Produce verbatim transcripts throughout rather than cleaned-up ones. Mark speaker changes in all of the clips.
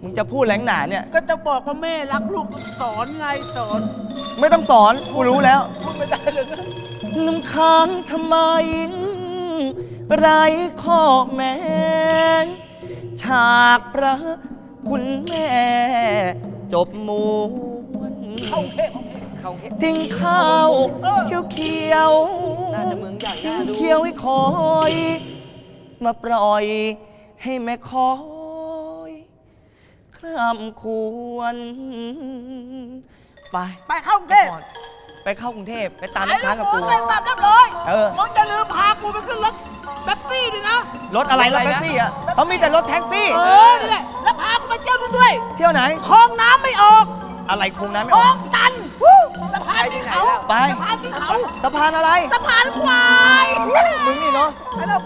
Speaker 1: มึงจะพูดแหลงหนาเนี่ย
Speaker 2: ก็จะบอกว่าแม่รักลูกสอนไงสอน
Speaker 1: ไม่ต้องสอนกูรู้แล้ว
Speaker 2: พูดไม่ได้เลยนะ
Speaker 1: น้ำค้างทำไมไรข้อแม้ฉากพระคุณแม่จบมวน
Speaker 2: เข้าเพ่เข้าเพ่
Speaker 1: ทิ้งข้าวเขียวเขียว
Speaker 2: น่าจะเมืองใหญ่น่าดู
Speaker 1: เขียวให้คอยมาปล่อยให้แม่คอยคร่ำควรไป
Speaker 2: ไปเข้ากรุงเทพ
Speaker 1: ไปเข้ากรุงเทพไปตามน้ำค้างกับกู
Speaker 2: ไอ้ตัดเรียบร้อย
Speaker 1: เออ
Speaker 2: มึงจะลืมพากูไปขึ้นรถแท็กซี่ด้วยนะ
Speaker 1: รถอะไรรถแท็กซี่อ่ะเขามีแต่รถแท็กซี่
Speaker 2: เออนี่แหละแล้วพากูไปเที่ยวด้วย
Speaker 1: เที่ยวไหน
Speaker 2: คลองน้ำไม่ออก
Speaker 1: อะไรคลองน้ำไม่
Speaker 2: ออ
Speaker 1: อกอก
Speaker 2: ตันสะพานที่เขา
Speaker 1: ไป
Speaker 2: สะพานที่เขา
Speaker 1: สะพานอะไร
Speaker 2: สะพานควาย
Speaker 1: มึงนี่เนาะ
Speaker 2: ไอ้เรา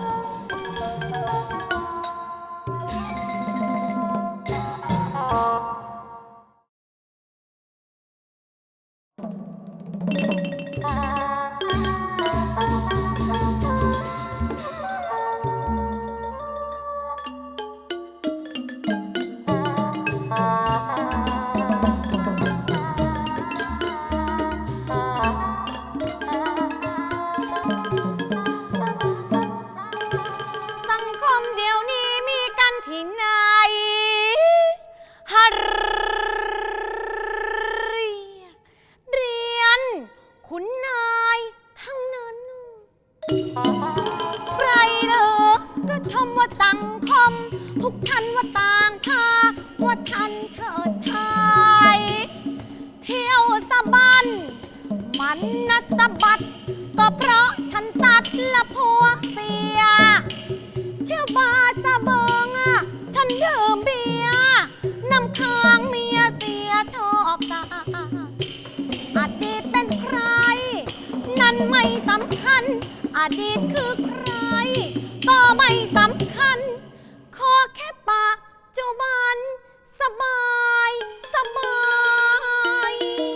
Speaker 3: สะบัดก็เพราะฉันสัตว์ละผัวเสียเที่ยวบาร์สะเบิงอ่ะฉันดื่มเบียร์น้ำค้างเมียเสียชอบตาอดีตเป็นใครนั้นไม่สำคัญอดีตคือใครก็ไม่สำคัญขอแค่ปัจจุบันสบายสบาย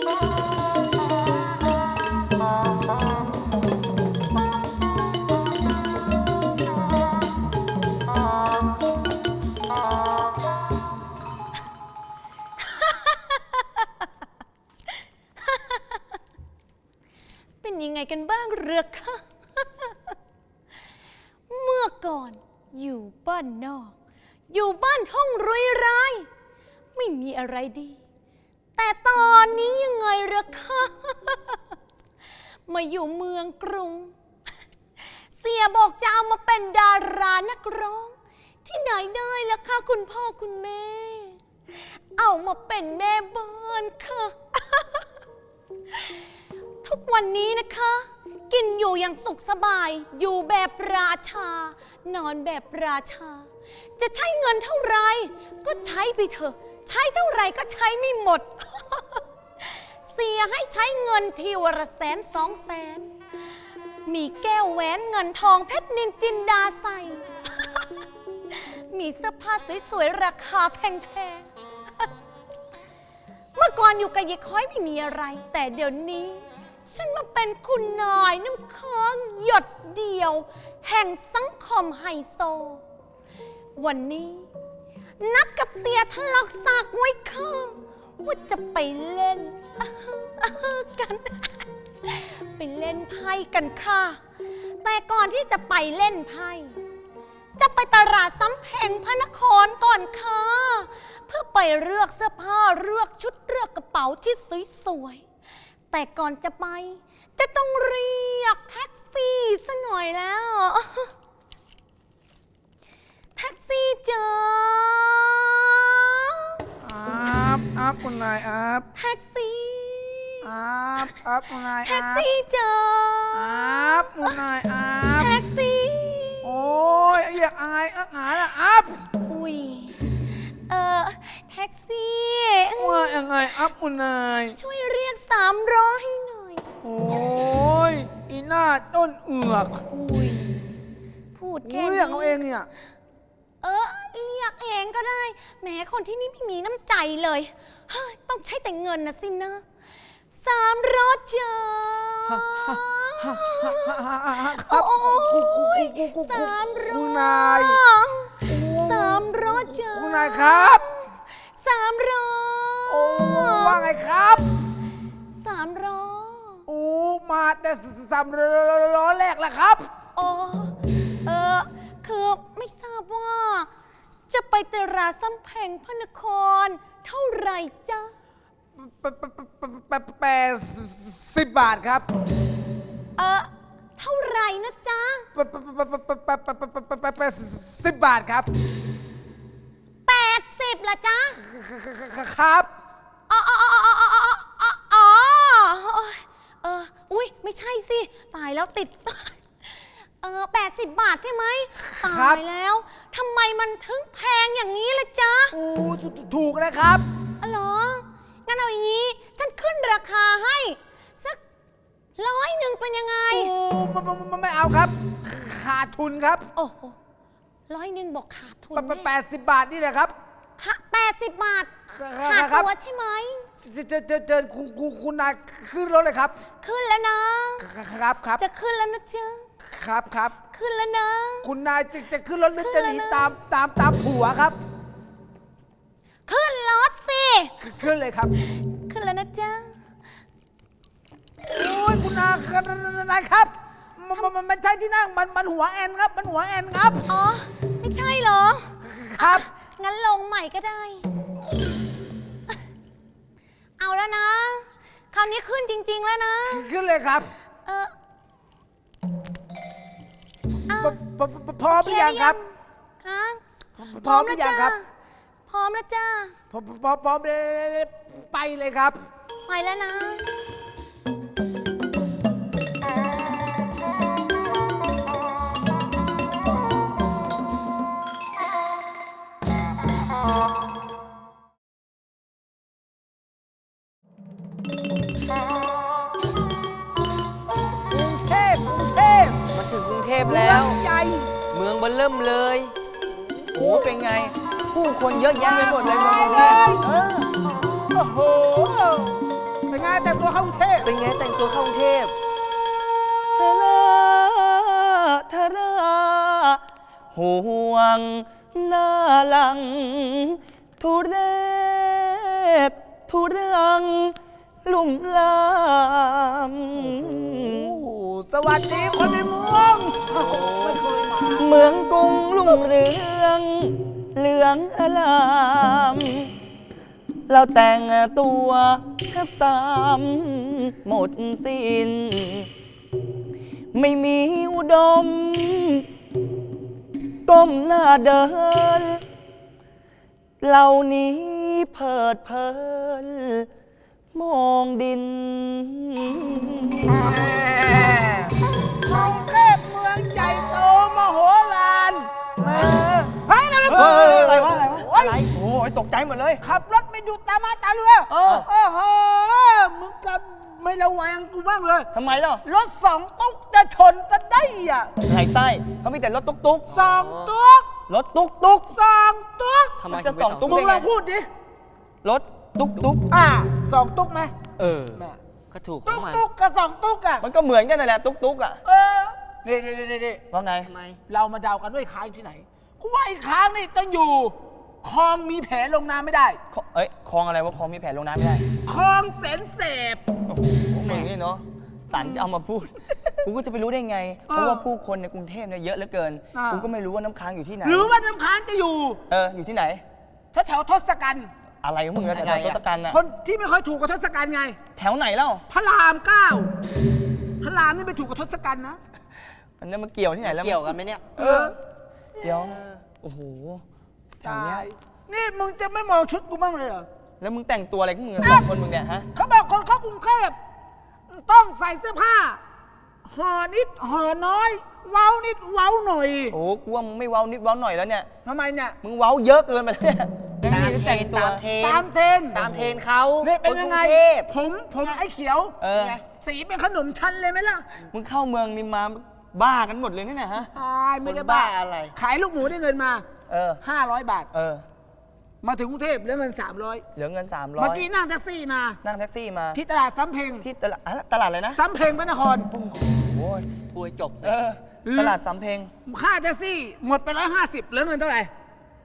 Speaker 3: เป็นยังไงกันบ้างเรือคะเมื่อก่อนอยู่บ้านนอกอยู่บ้านท่องรุยรายไม่มีอะไรดีแต่ตอนนี้ยังไงเรือคะมาอยู่เมืองกรุงเสียบอกจะเอามาเป็นดารานักร้องที่ไหนได้ล่ะคะคุณพ่อคุณแม่เอามาเป็นแม่บ้านค่ะทุกวันนี้นะคะกินอยู่อย่างสุขสบายอยู่แบบราชานอนแบบราชาจะใช้เงินเท่าไรก็ใช้ไปเถอะใช้เท่าไรก็ใช้ไม่หมด เสียให้ใช้เงินทีวันละแสนสองแสนมีแก้วแหวนเงินทองเพชรนินจินดาใส่ มีเสื้อผ้าสวยๆราคาแพงๆ เมื่อก่อนอยู่กับยายค้อยไม่มีอะไรแต่เดี๋ยวนี้ฉันมาเป็นคุณนายน้ำค้างหยดเดียวแห่งสังคมไฮโซวันนี้นัดกับเสียทะลอกซากไว้ค่ะว่าจะไปเล่นกันไปเล่นไพ่กันค่ะแต่ก่อนที่จะไปเล่นไพ่จะไปตลาดสำเพ็งพระนครก่อนค่ะเพื่อไปเลือกเสื้อผ้าเลือกชุดเลือกกระเป๋าที่สวยๆแต่ก่อนจะไปจะต้องเรียกแท็กซี่ซะหน่อยแล้วแท็กซี่จ้า
Speaker 2: อัพอัพคุณนายอัพ
Speaker 3: แท็กซี่
Speaker 2: อัพอัพคุณนายอัพ
Speaker 3: แท็กซี่จ้า
Speaker 2: อัพคุณนายอัพ
Speaker 3: แท็กซี่
Speaker 2: โอ้ยอยากอายอักหาละอัพ
Speaker 3: อุ้ยเออแท็กซี่
Speaker 2: ว่ายังไงอัพคุณนาย
Speaker 3: ช่วยเรียกสามร้อยให้หน่อย
Speaker 2: โอ้ยอีหน้าต้นเอือก
Speaker 3: อุ้ยพูดแค่นี้
Speaker 2: เรียกเอาเองเนี่ย
Speaker 3: เออเรียกเองก็ได้แหมคนที่นี่ไม่มีน้ำใจเลยเฮ้ยต้องใช้แต่เงินนะสินะสามร้อยจ้า
Speaker 2: ครับ
Speaker 3: โอ้ยสามร้อย
Speaker 2: คุณนาย
Speaker 3: สามร้อยจ้า
Speaker 2: คุณนายครับ
Speaker 3: สามร้อย
Speaker 2: โอ้ว่าไงครับ
Speaker 3: สามร้อย
Speaker 2: โอ้มาแต่สามร้อยแรกแหละครับ
Speaker 3: โอ้เออคือไม่ทราบว่า จะไปตลาดสำเพ็งพระนคร เท่าไหร่จ๊ะ
Speaker 2: แปดแปดแปดสิบบาทครับ
Speaker 3: เออเท่าไหร่นะจ๊ะ
Speaker 2: แปดแปดสิบบาทครับ
Speaker 3: แปดสิบละจ๊ะ
Speaker 2: ครับ
Speaker 3: อ๋ออ๋ออ๋ออ๋ออ๋ออ๋ออ๋อเอออุ้ยไม่ใช่สิ ตายแล้วติด เออแปดสิบบาทใช่ไหมตายแล้วทำไมมันถึงแพงอย่างนี้ล่ะจ๊ะ
Speaker 2: โอ้ถูกนะครับ
Speaker 3: อ๋อเหรอ งั้นเอาอย่างนี้ ฉันขึ้นราคาให้ สักร้อยหนึ่งเป็นยังไง
Speaker 2: โอ้ไม่ไม่เอาครับ ขาดทุนครับ
Speaker 3: โอ้โหร้อยหนึ่งบอกขาดทุน
Speaker 2: แปดสิบบาทนี่แหละครับ
Speaker 3: ค่ะแปดสิบบาท
Speaker 2: ครับ
Speaker 3: ขาด
Speaker 2: ครับ
Speaker 3: ตัวใช่ไหม
Speaker 2: เจอเจอเจอเจอคุณคุณคุณนายขึ้นรถเลยครับ
Speaker 3: ขึ้นแล้วนะ
Speaker 2: ครับครับ
Speaker 3: จะขึ้นแล้วนะจ๊ะ
Speaker 2: ครับครับ
Speaker 3: ขึ้นแล้วนะ
Speaker 2: คุณนายจะจะขึ้นรถหรือ
Speaker 3: ขึ้
Speaker 2: จะ
Speaker 3: น
Speaker 2: ห
Speaker 3: แล้ว
Speaker 2: นี
Speaker 3: นะ
Speaker 2: ตามตามตามผัวครับ
Speaker 3: ขึ้นรถสิ
Speaker 2: ขึ้นเลยครับ
Speaker 3: ขึ้นแล้วนะจ๊ะ
Speaker 2: โอ้ยคุณนายนายครับมันมันมันไม่ใช่ที่นั่งมันมันหัวแอนครับ มันหัวแอนครับ
Speaker 3: อ๋อ ไม่ใช่เหรอ
Speaker 2: ครับ
Speaker 3: งั้นลงใหม่ก็ได้ เอาแล้วนะ คราวนี้ขึ้นจริง ๆ แล้วนะ
Speaker 2: ขึ้นเลยครับ
Speaker 3: เออเอา
Speaker 2: พพพพร้อมหรือยังครับ
Speaker 3: ฮะ
Speaker 2: พร้อมหรือยังครับ
Speaker 3: พร้อมแล้วจ้า
Speaker 2: พร้อมพร้อมพร้อมเลยไปเลยครับ
Speaker 3: ไปแล้วนะ
Speaker 2: กรุงเทพกรุงเทพ
Speaker 1: มาถึงกรุงเทพแล้ว
Speaker 2: เมืองใหญ่
Speaker 1: เมืองเบิ่มเริ่มเลยโอ้เป็นไง ผู้คนเยอะแยะไปหมดเลยเมืองกรุงเทพเออ
Speaker 2: โอ้โห เป็นไงแต่งตัวเข้ากรุงเทพ
Speaker 1: เป็นไงแต่งตัวเข้ากรุงเทพทาราทาราห่วงหน้าหลัง ทุเรศทุรัง ลุ่มลาม
Speaker 2: โอ้โหสวัสดีคนในเมืองโอ้โหไม่เคยมา
Speaker 1: เมืองกรุงรุ่งเรือง เหลืองอลาม เราแต่งตัวแทบสามหมดสิ้น ไม่มีอุดม ก้มหน้าเดิน เหล่านี้เพิดเพลิน มองดิน
Speaker 2: แหมกรุงเทพเมืองใหญ่โตมโหฬารแหมเฮ้ยนั่น
Speaker 1: เฮ้ยอะไรวะอะไรวะ
Speaker 2: โอ้ย
Speaker 1: อะไรโอ้ยตกใจหมดเลย
Speaker 2: ขับรถไม่ดูตามาตาเรือ
Speaker 1: เออ
Speaker 2: โอ้โหมึงกับไม่ระแวงกูบ้างเลย
Speaker 1: ทำไมล่ะ
Speaker 2: รถสองตุ๊กจะชนกันได้อ่ะ
Speaker 1: ไหลไส้เขามีแต่รถตุ๊กตุ๊ก
Speaker 2: สองตุ๊ก
Speaker 1: รถตุ๊กตุ๊ก
Speaker 2: สองตุ๊ก
Speaker 1: ทำไมจะสองตุ๊ก
Speaker 2: มึ
Speaker 1: ได้
Speaker 2: งล
Speaker 1: ไง
Speaker 2: องพูดดิ
Speaker 1: รถตุ๊กตุ๊ก
Speaker 2: อ่าสองตุ๊กไหม
Speaker 1: เออ
Speaker 2: แม่
Speaker 1: ก็ถูกขอ
Speaker 2: ตุ๊
Speaker 1: ง
Speaker 2: ก
Speaker 1: มัน
Speaker 2: ตุ๊กกับสองตุ๊กอ่ะ
Speaker 1: มันก็เหมือนกันนั่นแหละตุ๊กตุ๊กอ่ะ
Speaker 2: เออนี่นี่นี่นี่
Speaker 1: ว่าไง
Speaker 2: เรามาเดากันว่าไอ้ค้างอยู่ที่ไหนกูว่าไอ้ค้างนี่ต้องอยู่คลองมีแผลลงน้ำไม่ได้
Speaker 1: คเอ้ยคลองอะไรวะคลองมีแผลลงน้ำไม่ได้
Speaker 2: คลองแสนเสพ
Speaker 1: โอ้โหมึงนี่เนาะสันจะเอามาพูด กูก็จะไปรู้ได้ไง
Speaker 2: เออ
Speaker 1: เพราะว่าผู้คนในกรุงเทพเนี่ยเยอะเหลือเกิน
Speaker 2: อ่ากู
Speaker 1: กูก็ไม่รู้ว่าน้ำค้างอยู่ที่ไหน
Speaker 2: หรือว่าน้ำค้างจะอยู่
Speaker 1: เออ อยู่ที่ไหน
Speaker 2: แถวแถวๆทศกัณฐ์
Speaker 1: อะไรของมึงนะแถวๆทศกัณฐ์น่ะ
Speaker 2: คนที่ไม่ค่อยถูกกับทศกัณฐ์ไง
Speaker 1: แถวไหนเล่า
Speaker 2: พระรามเก้าพระรามนี่ไม่ถูกกับทศกัณฐ์นะ
Speaker 1: มันเนี่ยมันเกี่ยวที่ไหนแล้ว
Speaker 4: เกี่ยวกันไหมเนี่ย
Speaker 2: เออ
Speaker 1: เดี๋ยว โอ้โห แถวเนี้ย
Speaker 2: ตายนี่มึงจะไม่มองชุดกูบ้างเลยเหรอ
Speaker 1: แล้วมึงแต่งตัวอะไรของมึงอะสองคนมึงเนี่ยฮะ
Speaker 2: เขาบอกคนเข้ากรุงเทพต้องใส่เสื้อผ้าห่อนิดห่อน้อย เว้านิดเว้าหน่อย
Speaker 1: โอ้โหกูว่ามึงไม่เว้านิดเว้าหน่อยแล้วเนี่ย
Speaker 2: ทำไมเนี่ย
Speaker 1: มึงเว้าเยอะเกินไปแล้วเนี่ยยัง
Speaker 4: ตาม
Speaker 1: มี
Speaker 4: เทร
Speaker 1: แต่ง
Speaker 4: น
Speaker 1: ตัว
Speaker 4: ตามเทรน
Speaker 2: ตามเทรน
Speaker 4: ตามเทรนเขา
Speaker 2: นี่เป็นยังไง
Speaker 4: คกรุเทพ
Speaker 2: ผมผมไอ้เขียว
Speaker 1: เออ
Speaker 2: สีเป็นขนมชั้นเลยไหมล่ะ
Speaker 1: มึงเข้าเมืองนี่มาบ้ากันหมดเลยนี่นะฮะ
Speaker 2: ตายไม่ได้
Speaker 4: คนบ้า
Speaker 2: บ้า
Speaker 4: อะไร
Speaker 2: ขายลูกหมูได้เงินมา
Speaker 1: เออ
Speaker 2: ห้าร้อยบาท
Speaker 1: เออ
Speaker 2: มาถึงกรุงเทพแล้วเงินสามร้อย
Speaker 1: เหลือเงินสามร้อย
Speaker 2: เมื่อกี้นั่งแท็กซี่มา
Speaker 1: นั่งแท็กซี่มา
Speaker 2: ที่ตลาดสำเพ็ง
Speaker 1: ที่ตลาดอะตลาดอะไรนะ
Speaker 2: สำเพ็งพระนคร
Speaker 1: โอ้ย
Speaker 4: พูดให้จบสิ
Speaker 1: เออ ตลาดสำเพ็ง
Speaker 2: ค่าแท็กซี่หมดไปร้อยห้าสิบเหลือเงินเท่าไหร่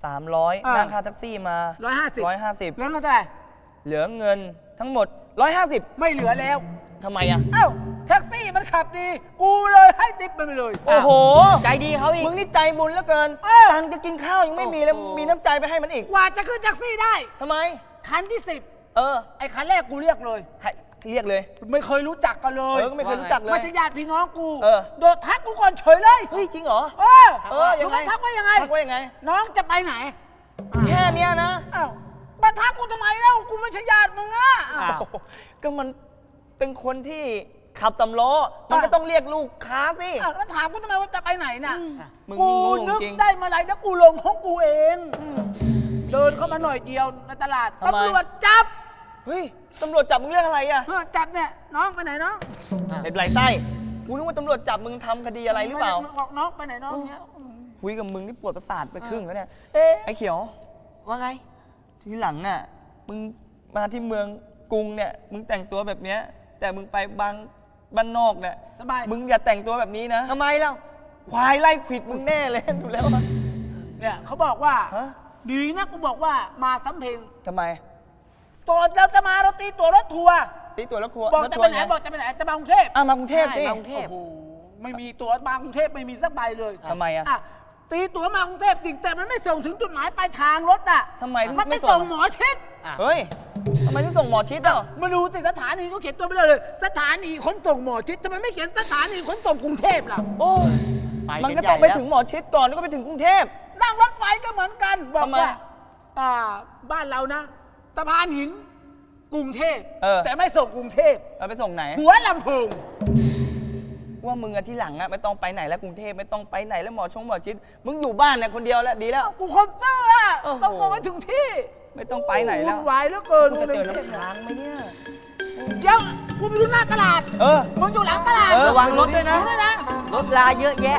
Speaker 1: สามร้อย
Speaker 2: เออ
Speaker 1: นั่งค่าแท็กซี่มา
Speaker 2: ร้อยห้าสิบ
Speaker 1: ร้อยห้าสิบ
Speaker 2: แล้วเงินเท่าไหร่
Speaker 1: เหลือเงินทั้งหมดร้อยห้าสิบ
Speaker 2: ไม่เหลือแล้ว
Speaker 1: ทำไมอ่ะ
Speaker 2: เอ้าแท็กซี่มันขับดี กูเลยให้ติปมันไปเลย
Speaker 1: โอ้โห
Speaker 4: ใจดีเขาอีก
Speaker 1: มึงนี่ใจบุญเหลือเกิน
Speaker 2: เออ
Speaker 1: ตังค์จะกินข้าวยังไม่มีแล้ว
Speaker 4: โอ้โห
Speaker 1: มีน้ำใจไปให้มันอีก
Speaker 2: กว่าจะขึ้นแท็กซี่ได้
Speaker 1: ทำไม
Speaker 2: คันที่สิบ
Speaker 1: เออ
Speaker 2: ไอ้คันแรกกูเรียกเลย
Speaker 1: ให้เรียกเลย
Speaker 2: ไม่เคยรู้จักกันเล
Speaker 1: เอย อก็ไม่เคยรู้จักเล
Speaker 2: ไม่
Speaker 1: ย
Speaker 2: ใช่ญาติพี่น้องกู
Speaker 1: เออ
Speaker 2: โดดทักกูก่อนเฉยเลย
Speaker 1: เฮ้ยจริงเหรอ
Speaker 2: เออ
Speaker 1: เออยังไง
Speaker 2: รู้หมทักว่ายังไง
Speaker 1: ทักว่ายังไง
Speaker 2: น้องจะไปไหน
Speaker 1: แค่เนี้ยนะ
Speaker 2: อ้าวมาทักกูทำไมแล้วกูไม่ใช่ญาติมึงอ่ะ
Speaker 4: อ้าว
Speaker 1: โอ้โหก็มันเป็นคนที่ขับสำล้อ มันก็ต้องเรียกลูกค้าสิ
Speaker 2: อ้าวแล้วถามกูทำไมว่าจะไปไหนน่ะ
Speaker 1: มึง
Speaker 2: กู
Speaker 1: นี่โง่
Speaker 2: นึก
Speaker 1: จริง
Speaker 2: ได้มาไรแล้วกูลงห้องกูเอง เดินเข้ามาหน่อยเดียวในตลาด
Speaker 1: ทำไม
Speaker 2: ตำรวจจับ
Speaker 1: เฮ้ยตำรวจจับมึงเรื่องอะไรอ่ะ
Speaker 2: เออจับเนี่ยน้องไปไหนน้อง
Speaker 1: เห็นไหลไส้กูนึกว่าตำรวจจับมึงทำคดีอะไรหรือเปล่า
Speaker 2: ม่ด้บอกน้องไปไหนน้องเนี้ย
Speaker 1: คุยกับมึงนี่ปวดประสาทไปครึ่งแล้วเนี่ย
Speaker 2: เอ๊ะ
Speaker 1: ไอ้เขียว
Speaker 4: ว่าไง
Speaker 1: ทีหลังน่ะ มึงมาที่เมืองกรุงเนี่ย มึงแต่งตัวแบบเนี้ย แต่มึงไปบางบ้านนอกเนี่ย
Speaker 2: สบาย
Speaker 1: มึงอย่าแต่งตัวแบบนี้นะ
Speaker 4: ทำไมเล่า
Speaker 1: ควายไล่ขวิดมึงแน่เลย ดูแล้วอะ
Speaker 2: เนี่ยเขาบอกว่า
Speaker 1: ฮะ
Speaker 2: ดีนะกูบอกว่ามาสำเพ็ง
Speaker 1: ทำไม
Speaker 2: ตอนเราจะมาเราตีตั๋วรถทัวร์
Speaker 1: ตีตัวแล้วครัว
Speaker 2: บอก
Speaker 1: แล้ว
Speaker 2: จะ
Speaker 1: ทัว
Speaker 2: ไป
Speaker 1: ร์
Speaker 2: ไหน
Speaker 1: ไง
Speaker 2: บอกจะไปไหนจะมากรุงเทพ
Speaker 1: อ่ะมากรุงเทพสิ
Speaker 4: ใช่มากรุงเทพ
Speaker 2: โอ้โหไม่มีตั๋วมากรุงเทพไม่มีสักใบเลย
Speaker 1: ทำไมอ่ะ
Speaker 2: อ่ะตีตั๋วมากรุงเทพจริงแต่มันไม่ส่งถึงจุดหมายปลายทางรถอ่ะ
Speaker 1: ทำไม
Speaker 2: มันไม่
Speaker 1: ไม่ส่
Speaker 2: ส่
Speaker 1: ง
Speaker 2: งหมอชิด
Speaker 4: อ่ะ
Speaker 1: เฮ้ยทำไมถึงส่งหมอชิดอ่ะ
Speaker 2: มาดูสิสถานีก็เขียนตัวไปเลยเลย สถานีขนส่งหมอชิดทำไมไม่เขียนสถานีขนส่งกรุงเทพล่ะ
Speaker 1: โอ้
Speaker 4: ไป
Speaker 1: มัน
Speaker 4: น
Speaker 1: ก็
Speaker 4: ใหญ่
Speaker 1: ต้องไป
Speaker 4: แล้ว
Speaker 1: ถึงหมอชิดก่อนแล้วก็ไปถึงกรุงเทพ
Speaker 2: นั่งรถไฟก็เหมือนกันบอก
Speaker 1: ทำไม
Speaker 2: ว่าอ่าบ้านเรานะสะพานหินกรุงเทพ
Speaker 1: เออ
Speaker 2: แต่ไม่ส่งกรุงเทพ
Speaker 1: เอาไปส่งไหน
Speaker 2: หัวลำโพง
Speaker 1: ว่ามึงอะที่หลังอะไม่ต้องไปไหนแล้วกรุงเทพไม่ต้องไปไหนแล้วหมอชงหมอชิด มึงอยู่บ้านเนี่ยคนเดียวแล้วดีแล้ว
Speaker 2: กูคนซื่ออะ
Speaker 1: โอ้โห
Speaker 2: ต้องส่งไปถึงที่
Speaker 1: ไม่ต้องไปไหนแล้ว
Speaker 2: วุ่นวายเหลือเกิน
Speaker 1: มึงจะเจอ
Speaker 2: ในกรุงทพ
Speaker 1: น้ำค้างไหมเนี่ย
Speaker 2: เดี๋ยวกูไปดูหน้าตลาด
Speaker 1: เออ
Speaker 2: มึงอยู่หลังตลาด
Speaker 1: เออ
Speaker 4: ระวังรถด้วยนะ
Speaker 2: ดูด้วยนะ
Speaker 4: รถลาเยอะแยะ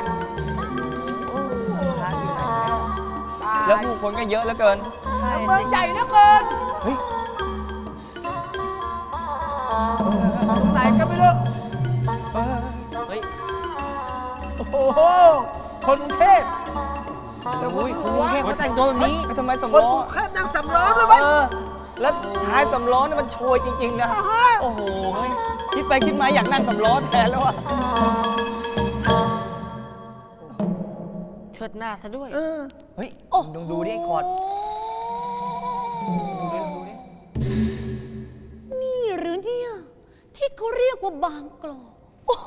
Speaker 1: ค้างอยู่ไหน
Speaker 2: ตาย
Speaker 1: แล้วผู้คนก็เยอะเหลือเกิน
Speaker 2: เมืองใหญ่เหลือเกิน
Speaker 1: เฮ้ย
Speaker 2: ตรงไหนก็ไม่รู้
Speaker 1: เออ
Speaker 4: เฮ้ย
Speaker 2: โอ้โหคนกรุงเทพ
Speaker 1: แล้วอุ้ย
Speaker 4: กรุงเทพเขาแต่งตัวแบบนี้
Speaker 1: ไปทำไมสำ
Speaker 2: คน
Speaker 1: ล้อก
Speaker 2: รุงเทพนั่งสำล้อเลยไหม
Speaker 1: เออ แล้วท้ายสำล้อนี่มันโชยจริงๆนะ
Speaker 2: อ่าฮะ
Speaker 1: โอ้โหเฮ้ยคิดไปคิดมาอยากนั่งสำล้อแทนแล้วอะ
Speaker 4: เชิดหน้าซะด้วย
Speaker 1: เออเฮ้ย
Speaker 3: โอ้
Speaker 1: ดูดูดิไอ้คอร์ดดูดิดูดิ
Speaker 3: นี่หรือเนี่ยที่เขาเรียกว่าบางกลอกโอ้โห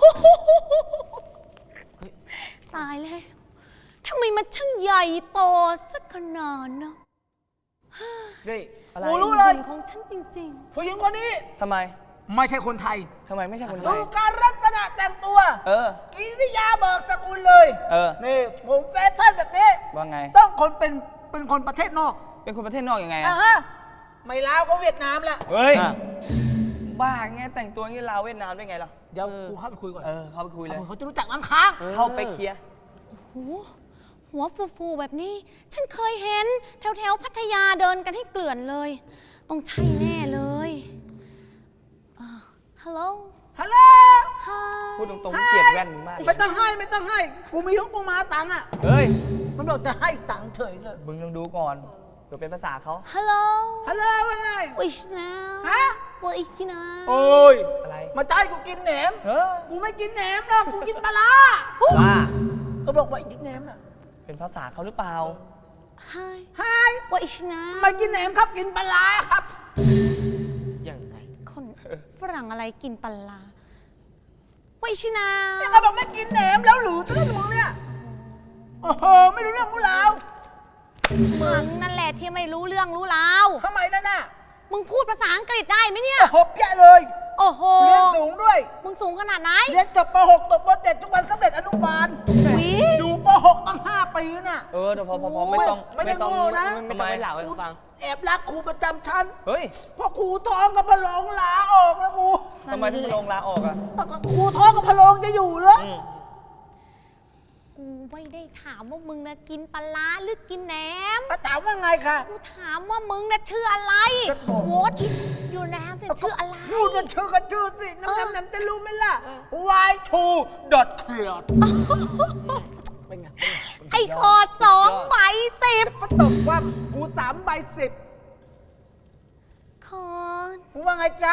Speaker 3: ตายแล้วทำไมมันช่างใหญ่โตสักขนาดนะ
Speaker 2: นี่
Speaker 1: อะไร
Speaker 2: กูรู้เลย
Speaker 3: บุญของฉันจริง
Speaker 2: ผู้หญิงคนนี้
Speaker 1: ทำไม
Speaker 2: ไม่ใช่คนไทย
Speaker 1: ทำไมไม่ใช่คนไท
Speaker 2: ดู
Speaker 1: ย
Speaker 2: การลักษณะแต่งตัว
Speaker 1: เออ
Speaker 2: กิริยาเบิกสกุลเลย
Speaker 1: เออ
Speaker 2: นี่ผมแฟชั่นแบบนี้
Speaker 1: ว่าไง
Speaker 2: ต้องคนเป็นเป็นคนประเทศนอก
Speaker 1: เป็นคนประเทศนอกยังไง
Speaker 2: อ่ะ
Speaker 1: อะ
Speaker 2: ฮะไม่ลาวก็เวียดนามละ
Speaker 1: เฮ้ย
Speaker 4: อ่ะ
Speaker 1: บ้าไงแต่งตัวงี้ลาวเวียดนามได้ไงล่ะ
Speaker 2: เดี๋ยวกูเข้าไปคุยก่อน
Speaker 1: เออ เข้าไปคุยเลย
Speaker 2: เขาจะรู้จักน้ำค้าง
Speaker 1: เข้าไปเคลียร์
Speaker 3: ๆหูหัวฟูๆแบบนี้ ฉันเคยเห็นแถวๆพัทยาเดินกันให้เกลื่อนเลย ต้องใช่แน่เลยฮัลโหล
Speaker 2: ฮัลโหล
Speaker 3: ฮาย
Speaker 1: พูดตรงๆเกลียดแว่นมึงมาก
Speaker 2: ไม่ต้องให้ไม่ต้องให้ กูมีของกูมาตังค์อ่ะ
Speaker 1: เฮ้ย
Speaker 2: มันบอกจะให้ตังค์เฉยเลย
Speaker 1: มึงลองดูก่อนเดี๋ยวเป็นภาษาเขา
Speaker 3: ฮัลโหล
Speaker 2: ฮัลโหลว่าไง
Speaker 3: วิชนา
Speaker 2: ฮะ
Speaker 3: วิชนา
Speaker 2: โอ้ย
Speaker 1: อะไร
Speaker 2: มาจะให้กูกินแหนม
Speaker 1: เฮ้ย
Speaker 2: กูไม่กินแหนมนะกูกินปลาร้า
Speaker 1: ว่า
Speaker 2: ก็บอกว่ากินแหนมน่ะ
Speaker 1: เป็นภาษาเขาหรือเปล่า
Speaker 3: ฮาย
Speaker 2: ไฮ
Speaker 3: วิชนา
Speaker 2: ไม่กินแหนมครับกินปลาร้าครับ
Speaker 4: ยังไง
Speaker 3: คนฝรั่งอะไรกินปลาร้าวิชนา
Speaker 2: เนี่ยก็บอกไม่กินแหนมแล้วหรือตื้อมึงเนี่ย โอ้โห ไม่รู้เรื่องรู้ราว
Speaker 3: มึงนั่นแหละที่ไม่รู้เรื่องรู้ราว
Speaker 2: ทำไมนั่นน่ะ
Speaker 3: มึงพูดภาษาอังกฤษได้ไหมเนี่ย
Speaker 2: หบแย่เลย
Speaker 3: โอ้โห
Speaker 2: เรียนสูงด้วย
Speaker 3: มึงสูงขนาดไหน
Speaker 2: เรียนจบป .หก ตกป .เจ็ด ทุกวันสำเร็จอนุบาล
Speaker 3: วิ
Speaker 2: อยู่ป .หก ตั้งห้าปีน่ะ
Speaker 1: เออเดี๋ยวพอพอพอไม่ต้อง
Speaker 2: ไม่ได้
Speaker 1: ต้อง
Speaker 2: โง่นะ
Speaker 4: ไม่
Speaker 1: ทำ
Speaker 4: ต้อง
Speaker 1: ไม
Speaker 4: ไปเหล่าให้เขาฟัง
Speaker 2: แอบรักครูประจำชั้น
Speaker 1: เฮ้ย
Speaker 2: พอครูท้องกับพะโลงลาออกแล้วกู
Speaker 1: ทำไมถึงลงลาออกอ่ะ
Speaker 2: ครูท้องกับพะโลงจะอยู่เหรอ
Speaker 1: อืม
Speaker 3: กูไม่ได้ถามว่ามึงนะกินปลาร้าหรือกินแหนม
Speaker 2: มาถามว่าไงคะ
Speaker 3: กูถามว่ามึงนะชื่ออะไร
Speaker 2: จะบอก
Speaker 3: What is your name เนี่ยชื่ออะไร
Speaker 2: พูดมันชื่อกันชื่อสิน้ำน้ำน้ำจะรู้ไหมล่ะ วาย ทู ดอท เคลียร์เป็นไง
Speaker 3: ไอ้คอร์ดสองใบสิบ
Speaker 2: ปะตบว่ากูสามใบสิบ
Speaker 3: คอร์ด
Speaker 2: มึงว่าไงจ๊ะ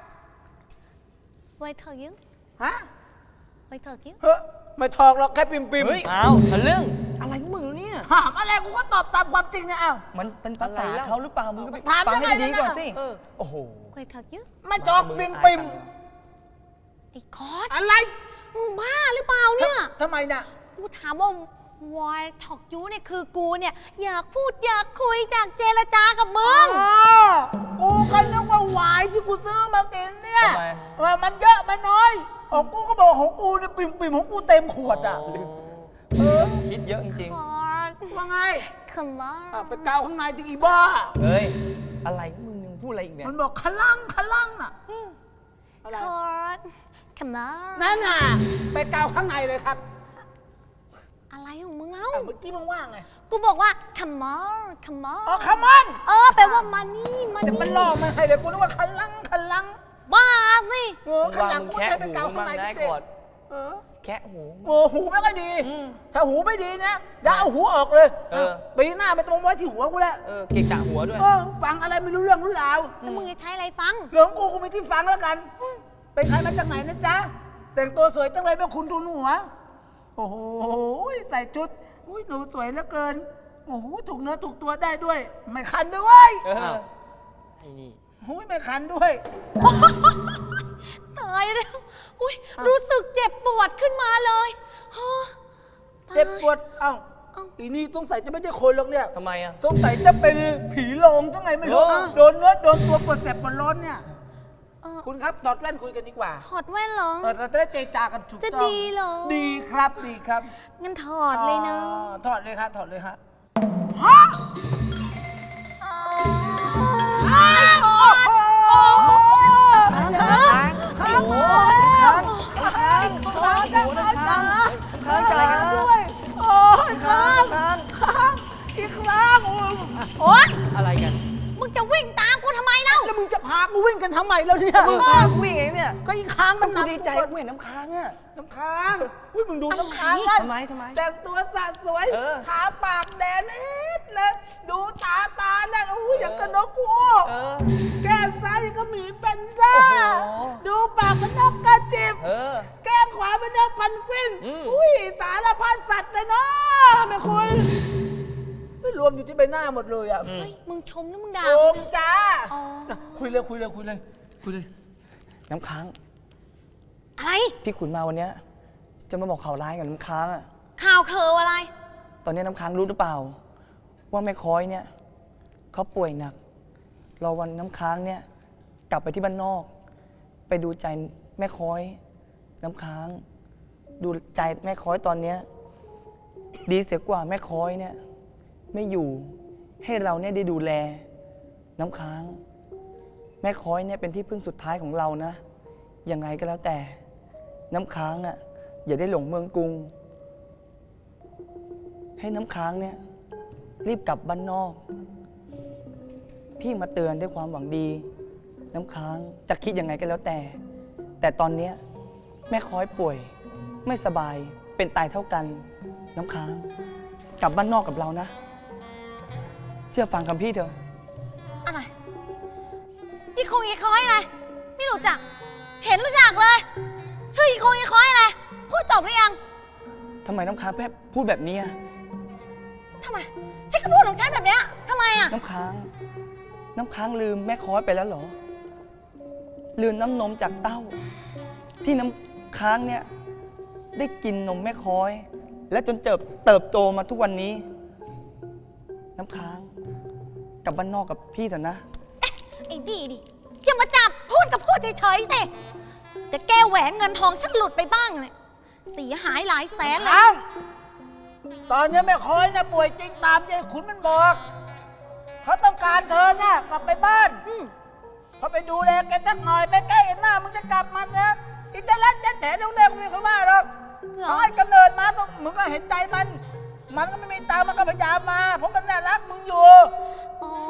Speaker 3: ไว้เถอะยิ้ว
Speaker 2: ฮะ
Speaker 3: ไว้เถอะยิ้ว
Speaker 2: เฮ้ยไม่ทองหรอกแค่ปิมปิม
Speaker 1: เฮ้ย
Speaker 4: อ้าวทะลึ่งอะไรของมึงเนี่ย
Speaker 2: ถามอะไรกูก็ตอบตามความจริงนะอ้าว
Speaker 1: มันเป็นภาษา
Speaker 4: อะไรล่ะ
Speaker 1: เขาหรือเปล่า มึงก็ไป
Speaker 2: ถาม
Speaker 1: ฟังให้
Speaker 2: ยังไง
Speaker 1: ดีๆก่อน
Speaker 2: นะ
Speaker 1: สิ
Speaker 4: เออ
Speaker 1: โอ้โห
Speaker 3: ไว้เถอะยิ้ว
Speaker 2: ไม่จอกปิมปิม
Speaker 3: ไอ้คอร์ด
Speaker 2: อะไร
Speaker 3: มึงบ้าหรือเปล่าเนี่ย
Speaker 2: ทำไมน่ะ
Speaker 3: กูถามว่าวายถอกยูเนี่ยคือกูเนี่ยอยากพูดอยากคุยอยากเจรจากับมึ
Speaker 2: อ๋อง กูก็นึกว่าหวายที่กูซื้อมากินเนี่ย
Speaker 1: ทำไม
Speaker 2: ว่ามันเยอะมันน้อยของกูก็บอกของกูเนี่ยปิมปิมของกูเต็มขวดอ่ะเออ
Speaker 1: คิดเยอะจริง
Speaker 3: คอร์ด
Speaker 2: ว่าไง
Speaker 3: คอร์
Speaker 2: อ่ะ
Speaker 3: ด
Speaker 2: ไปกาวข้างในที่อีบ้า
Speaker 1: ๆ เฮ้ย อะไรของมึงยังพูดอะไรอีกเนี่ย
Speaker 2: มันบอกขลังขลังน่ะอืมอะไร
Speaker 3: คอร์ดคอร์ด
Speaker 2: นั่นน่ะไปกาวข้างในเลยครับ
Speaker 3: อะไรของมึงเล่า
Speaker 2: อ่ะเมื่อกี้มึงว่าไง
Speaker 3: กูบอกว่า come on come
Speaker 2: อ๋อ
Speaker 3: on
Speaker 2: ขมัน
Speaker 3: เออแปลว่ามานี่มา
Speaker 2: เดี๋ยว
Speaker 3: นี่
Speaker 2: มันล่อมาให้เลยกูนึกว่าขลังขลัง
Speaker 3: บ้าสิ
Speaker 2: เออ
Speaker 1: มึง
Speaker 2: ข
Speaker 1: วาง
Speaker 2: ลัง
Speaker 1: มึง
Speaker 2: กู
Speaker 1: แคะ
Speaker 2: จะไป
Speaker 1: หู
Speaker 2: กาว
Speaker 1: มึ
Speaker 2: ข้าง งใน
Speaker 1: ได้
Speaker 2: ดิ
Speaker 1: ก่อน
Speaker 2: เออ
Speaker 1: แคะหู
Speaker 2: โอ้หูไม่ค่อยดี
Speaker 1: อืม
Speaker 2: ถ้าหูไม่ดีนะอย่าเอาหูออกเลย
Speaker 1: เออ
Speaker 2: ปีหน้าไม่ต้องไว้ที่หัวกูแล้ว
Speaker 1: เออ เกะกะหัวด้วย
Speaker 2: เออฟังอะไรไม่รู้เรื่องรู้ราว
Speaker 3: แล้วมึงจะใช้อะไรฟัง
Speaker 2: เรื่องของกูกูมีที่ฟังแล้วกัน เป็นใครมาจากไหนนะจ๊ะ แต่งตัวสวยจังเลยแม่คุณทูลหัว โอ้โหใส่ชุดอุ้ยหนูสวยเหลือเกิน โอ้โหถูกเนื้อถูกตัวได้ด้วย ไม่คันด้วยเว้ย
Speaker 1: เออ
Speaker 4: ไอ้นี่
Speaker 2: อุ้ยไม่คันด้วย
Speaker 3: ตายแล้วอุ้ยรู้สึกเจ็บปวดขึ้นมาเลยฮะตาย
Speaker 2: เจ็บปวด เอ้า
Speaker 3: เอ้า
Speaker 2: อีนี่สงสัยจะไม่ใช่คนหรอกเนี่ย
Speaker 1: ทำไมอ่ะ
Speaker 2: สงสัยจะเป็นผีโลงจังไงไม่รู้
Speaker 1: เออ
Speaker 2: โดนเนื้อโดนตัวปวดแสบปวดร้อนเนี่ย
Speaker 3: เออ
Speaker 2: คุณครับถอดแว่นคุยกันดีกว่า
Speaker 3: ถอดแว่นเหรอ
Speaker 2: เออเราจะได้เจรจากันถูก
Speaker 3: จะ
Speaker 2: ต้อง
Speaker 3: ดีเหรอ
Speaker 2: ดีครับดีครับ
Speaker 3: งั้นถอดเลยนะ
Speaker 2: อ๋อถอดเลยครับถอดเลยฮะ
Speaker 3: ไอ้ถอด
Speaker 2: โอ้โห
Speaker 1: ค้างค้าง
Speaker 2: โอ้โห
Speaker 1: ค้าง
Speaker 2: ค้างค้างค้างค้าง
Speaker 1: ค้างอะไรกัน
Speaker 2: ด้วยโอ้ยค้าง
Speaker 1: ค้าง
Speaker 2: ค้างอีกครั้งโอ้ย
Speaker 3: โอ๊ย
Speaker 1: อะไรกัน
Speaker 3: มึงจะวิ่งตามกูทำไมเล่า
Speaker 2: แล้วมึงจะพากูวิ่งกันทำไมแล้วเนี่ย
Speaker 1: มึงพากูวิ่งเองเนี่ย
Speaker 2: ก็อีกครั้งมัน
Speaker 1: กู
Speaker 2: นับ
Speaker 1: ดีใจ
Speaker 2: กู
Speaker 1: กูเห็นน้ำค้างอ่ะ
Speaker 2: น้ำค้างอุ้ยมึงดูน้ำค้างนั่น
Speaker 1: ทำไมทำไม
Speaker 2: แต่งตัวสะสวย
Speaker 1: เออ
Speaker 2: ทาปากแดงนิดเลยดูตาตานั่นโอ้ยอย่างกับนกคู
Speaker 1: เออ
Speaker 2: แก้มซ้ายยังก็หมีเป็นด้า
Speaker 1: โอ้โห
Speaker 2: ดูปากมันนกกระจิบ
Speaker 1: เออ
Speaker 2: แก้มขวาเป็นนกพันกวิน
Speaker 1: อืม
Speaker 2: อุ้ยสารพัดสัตว์เลยเนาะแม่คุณไม่รวมอยู่ที่ใบหน้าหมดเลยอ่ะ
Speaker 3: เฮ้ย มึงชมหรือมึงด่า
Speaker 2: โอ
Speaker 3: กู
Speaker 2: ม
Speaker 3: เนี่ย
Speaker 2: จ้า
Speaker 3: อ๋อ
Speaker 2: คุยเลยคุยเลยคุยเลยคุยเลย
Speaker 1: น้ำค้าง
Speaker 3: อะไร
Speaker 1: พี่ขุนมาวันเนี้ยจะมาบอกข่าวร้ายกับน้ำค้างอ่ะ
Speaker 3: ข่าวเคออะไร
Speaker 1: ตอนนี้น้ำค้างรู้หรือเปล่า ว่าแม่ค้อยเนี่ยเขาป่วยหนัก รอวันน้ำค้างเนี่ยกลับไปที่บ้านนอก ไปดูใจแม่ค้อย น้ำค้าง ดูใจแม่ค้อยตอนเนี้ยดีเสียกว่าแม่ค้อยเนี่ยไม่อยู่ให้เราเนี่ยได้ดูแล น้ำค้าง แม่ค้อยเนี่ยเป็นที่พึ่งสุดท้ายของเรานะยังไงก็แล้วแต่น้ำค้างอ่ะอย่าได้หลงเมืองกรุง ให้น้ำค้างเนี่ยรีบกลับบ้านนอก พี่มาเตือนด้วยความหวังดี น้ำค้างจะคิดยังไงก็แล้วแต่ แต่ตอนเนี้ยแม่ค้อยป่วยไม่สบายเป็นตายเท่ากัน น้ำค้าง กลับบ้านนอกกับเรานะ เชื่อฟังคำพี่เถอะ
Speaker 3: อะไรอีคงอีคอยอะไร ไม่รู้จัก เห็นรู้จักเลย ชื่ออีคงอีคอยอะไร พูดจบหรือยัง
Speaker 1: ทำไมน้ำค้างแพบพูดแบบนี้อะ
Speaker 3: ทำไมฉันก็พูดของฉันแบบเนี้ยทำไมอ่ะ
Speaker 1: น้ำค้าง น้ำค้างลืมแม่ค้อยไปแล้วเหรอ ลืมน้ำนมจากเต้า ที่น้ำค้างเนี่ยได้กินนมแม่ค้อย และจนเติบเติบโตมาทุกวันนี้ น้ำค้างกลับบ้านนอกกับพี่เถอะนะ
Speaker 3: ไอ้ดีดิอย่ามาจับพูดกับพูดเฉยๆสิแต่แก้วแหวนเงินทองฉันหลุดไปบ้างเนี่ยเสียหายหลายแสนเลย
Speaker 2: อ้าวตอนนี้แม่คอยนะป่วยจริงตามยายขุนมันบอก เขาต้องการเธอน่ะกลับไปบ้าน
Speaker 3: อืม
Speaker 2: พอไปดูแลแกสักหน่อยไปใกล้หน้ามึงจะกลับมาเนี่ยอินเตอร์เน็ตจะแถดูแลมึงไม่เขาว่าหรอก
Speaker 3: เหรอ
Speaker 2: เขาให้กำเนิดมาต้องมึงก็เห็นใจมัน มันก็ไม่มีตังค์มันก็พยายามมา เพราะมันน่ารักมึงอยู่
Speaker 3: อ๋อ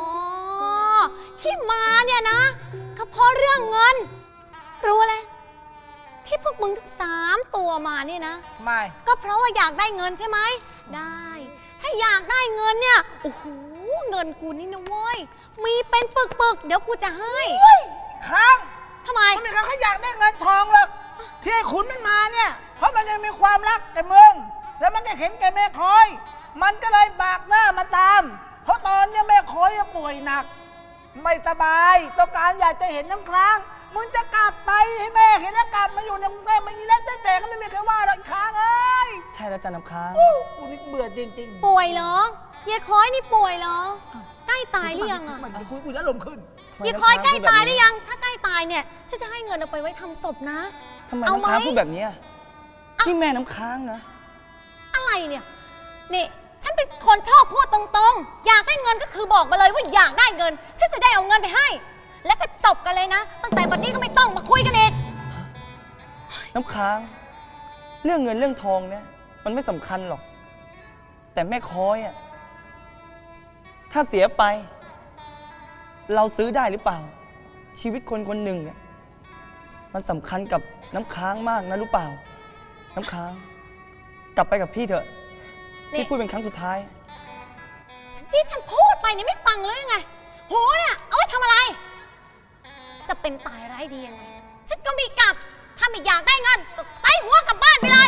Speaker 3: ที่มาเนี่ยนะก็เพราะเรื่องเงิน รู้เลยที่พวกมึงทั้งสามตัวมาเนี่ยนะ
Speaker 2: ไม่
Speaker 3: ก็เพราะว่าอยากได้เงินใช่ไหมได้ ถ้าอยากได้เงินเนี่ยโอ้โหเงินกูนี่นะเว้ยมีเป็นปึกๆเดี๋ยวกูจะให้
Speaker 2: ค้าง
Speaker 3: ทำไม
Speaker 2: มันไม่เขาอยากได้เงินทองหรอกที่ไอ้ขุนมันมาเนี่ยเพราะมันยังมีความรักแก่เมืองแล้วมันก็เห็นแก่แม่คอย มันก็เลยบากหน้ามาตาม เพราะตอนเนี้ยแม่คอยป่วยหนัก ไม่สบายต้องการอยากจะเห็นน้ำค้างมึงจะกลับไปให้แม่เห็นแล้วกลับมาอยู่ในกรุงเทพมันยิ่งเล่นแต่แต่ก็ไม่มีใครว่าหรอกค้างเอ้ย
Speaker 1: ใช่แล้วจ้ะน้ำค้าง
Speaker 2: อู้กูนี่เบื่อจริงๆ
Speaker 3: ป่วยเหรอเยายคอยนี่ป่วยเหรอ ใกล้ตายหรือยังอะ
Speaker 2: มันคุยกูจะลมณ์ขึ้น
Speaker 3: เยายคอยใกล้ตายหรือยัง ถ้าใกล้ตายเนี่ยฉันจะให้เงินเอาไปไว้ทำศพนะ
Speaker 1: ทำไม
Speaker 3: เอา
Speaker 1: น้ำค้าง
Speaker 3: ไหม
Speaker 1: พูดแบบเนี้ยนี่แม่น้ำค้างนะ
Speaker 3: อะไรเนี่ยนี่ฉันเป็นคนชอบพูดตรงๆ อยากได้เงินก็คือบอกมาเลยว่าอยากได้เงิน ฉันจะได้เอาเงินไปให้ แล้วก็จบกันเลยนะ ตั้งแต่บัดนี้ก็ไม่ต้องมาคุยกันอีก
Speaker 1: น้ำค้าง เรื่องเงินเรื่องทองเนี่ยมันไม่สำคัญหรอก แต่แม่ค้อยอะถ้าเสียไป เราซื้อได้หรือเปล่า ชีวิตคนคนหนึ่งเนี่ยมันสำคัญกับน้ำค้างมากนะรู้เปล่า น้ำค้าง กลับไปกับพี่เถอะ
Speaker 3: นี่
Speaker 1: พี่พูดเป็นครั้งสุดท้าย
Speaker 3: ที่ฉันพูดไปนี่ไม่ฟังเลยยังไงหูเนี่ยเอาไว้ทำอะไร จะเป็นตายร้ายดียังไง ฉันก็มีกลับ ถ้าไม่อยากได้เงินก็ใส่หัวกลับบ้านไปเลย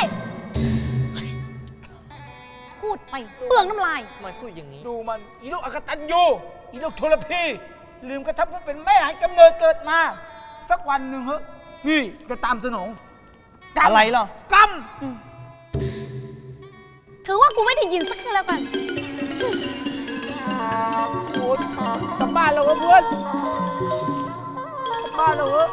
Speaker 3: พูดไปเปลืองน้ำลาย
Speaker 4: ทำไมพูดอย่างนี้
Speaker 2: ดูมันอีลูกอกตันยูอีลูกทุรพีลืมกระทั่งผู้เป็นแม่ให้กำเนิดเกิดมา สักวันหนึ่งเหอะนี่จะตามสนองกำ
Speaker 1: อะไรเหรอ
Speaker 2: ก
Speaker 3: ถือว่ากูไม่ได้ยินสักทีแล้วกัน
Speaker 2: ำโอ้ยกลับบ้านเราเถอะเพื่อนกลับบ้านเราเถอะ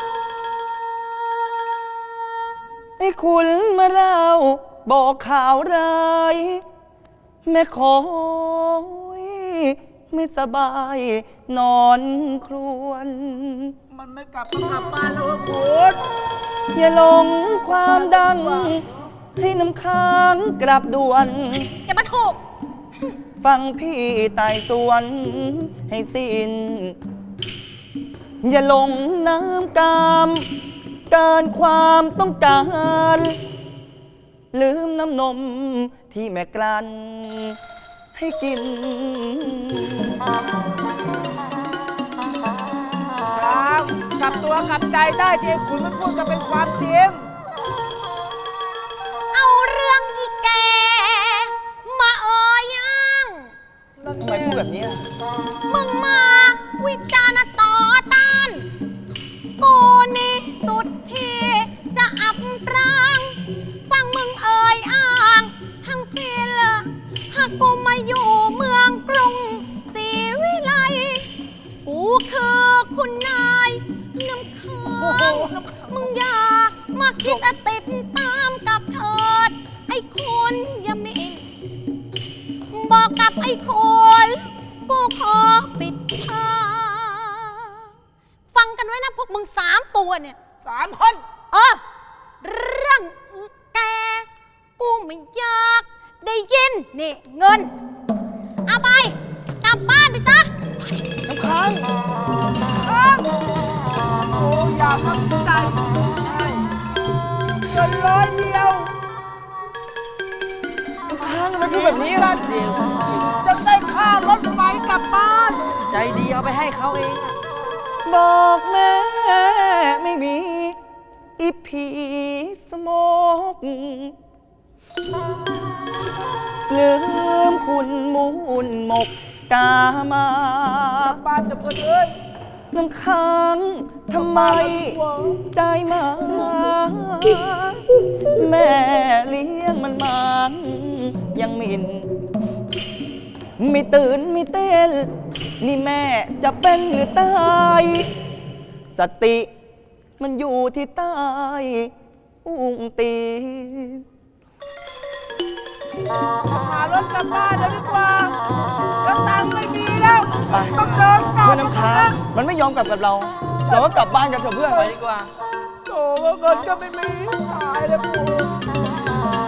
Speaker 1: ให้คุณมาเล่าบอกข่าวร้ายแม่ขอยไม่สบายนอนครวน
Speaker 2: มันไม่กลับมากลับบ้านเราเถอะคุณ
Speaker 1: อย่าหลงความดัง ให้น้ำค้างกลับด่วน
Speaker 3: อย่ามาถูก
Speaker 1: ฟังพี่ไต่สวนให้สิ้น อย่าหลงน้ำกามเกินความต้องการ ลืมน้ำนมที่แม่กลั้นให้กิน
Speaker 2: ครับกลับตัวกลับใจได้ที่ไอ้คุณมันพูดจะเป็นความจริง
Speaker 3: เอาเรื่องอีแก มาเอ่ยยัง
Speaker 1: ทำไมพูดแบบนี้อะ
Speaker 3: มึงมาวิจารณ์ต่อต้าน กูนี่สุดที่จะอับปราง ฟังมึงเอ่ยอ้างทั้งสิ้นหากกูมาอยู่เมืองกรุงศรีวิไล กูคือคุณนายน้ำค้างมึงอย่ามาคิดอะติดตามกับเถิด ไอ้คุณอย่ามินบอกกับไอ้คนกูขอปิดทางฟังกันไว้นะพวกมึงสามตัวเนี่ย
Speaker 2: สามคน
Speaker 3: เออเรื่องอีแก กูไม่อยากได้ยินนี่เงิน เอาไปกลับบ้านไปซะ
Speaker 1: น้ำค้าง
Speaker 2: โอ้อยากทำใจเงินร้อยเดียว
Speaker 1: น้ำค้างทำไมพูดแบบนี้ล่ะ
Speaker 2: จะได้ค่ารถไฟกลับบ้าน
Speaker 4: ใจดีเอาไปให้เขาเองอะ
Speaker 1: บอกแม่ไม่มี อีผีสโมกลืมคุณมูลหมกกามา
Speaker 2: บ้านจะเพื่อนเอ้ย
Speaker 1: น้ำค้างทำไม ใจมา แม่เลี้ยงมันมายังหมิน ไม่ตื่นไม่เต้น นี่แม่จะเป็นหรือตาย สติมันอยู่ที่ใต้อุ้งตีน
Speaker 2: หารถกลับบ้านแล้วดีกว่าแล้วตังค์ไม่มีแล้ว
Speaker 1: ไป
Speaker 2: ต้องเดินกลับ
Speaker 1: เพื่อนน้ำค้างมันไม่ยอมกลับกับเรา เราก็กลับบ้านกันเถอะเพื่อน
Speaker 4: ไปดีกว่า
Speaker 2: โอ้เงินก็ไม่มีตายแล้วกู